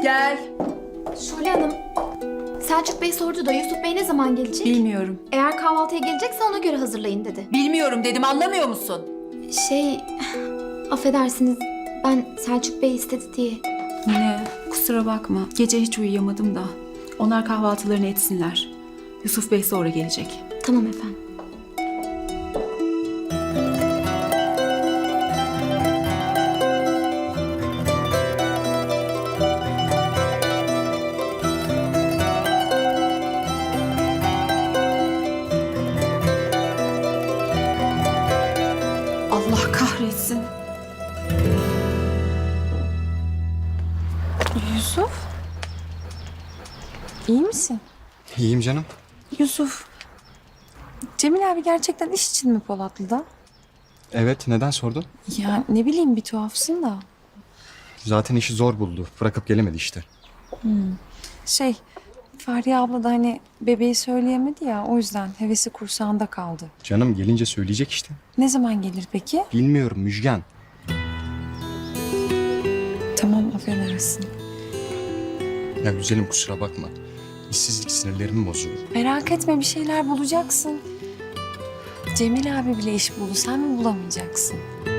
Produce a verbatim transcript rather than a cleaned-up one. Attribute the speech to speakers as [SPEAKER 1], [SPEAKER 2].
[SPEAKER 1] Gel.
[SPEAKER 2] Şule Hanım, Selçuk Bey sordu da Yusuf Bey ne zaman gelecek?
[SPEAKER 1] Bilmiyorum.
[SPEAKER 2] Eğer kahvaltıya gelecekse ona göre hazırlayın dedi.
[SPEAKER 1] Bilmiyorum dedim, anlamıyor musun?
[SPEAKER 2] Şey, affedersiniz ben Selçuk Bey istedi diye.
[SPEAKER 3] Yine kusura bakma. Gece hiç uyuyamadım da. Onlar kahvaltılarını etsinler. Yusuf Bey sonra gelecek.
[SPEAKER 2] Tamam efendim.
[SPEAKER 3] Allah kahretsin.
[SPEAKER 4] Yusuf? İyi misin?
[SPEAKER 5] İyiyim canım.
[SPEAKER 4] Yusuf, Cemil abi gerçekten iş için mi Polatlı'da?
[SPEAKER 5] Evet, neden sordun?
[SPEAKER 4] Ya ne bileyim bir tuhafsın da.
[SPEAKER 5] Zaten işi zor buldu. Bırakıp gelemedi işte.
[SPEAKER 4] Şey, Fahriye abla da hani bebeği söyleyemedi ya o yüzden hevesi kursağında kaldı.
[SPEAKER 5] Canım gelince söyleyecek işte.
[SPEAKER 4] Ne zaman gelir peki?
[SPEAKER 5] Bilmiyorum Müjgan.
[SPEAKER 4] Tamam affedersin.
[SPEAKER 5] Ya güzelim kusura bakma. İşsizlik sinirlerimi bozuyor.
[SPEAKER 4] Merak etme bir şeyler bulacaksın. Cemil abi bile iş buldu sen mi bulamayacaksın?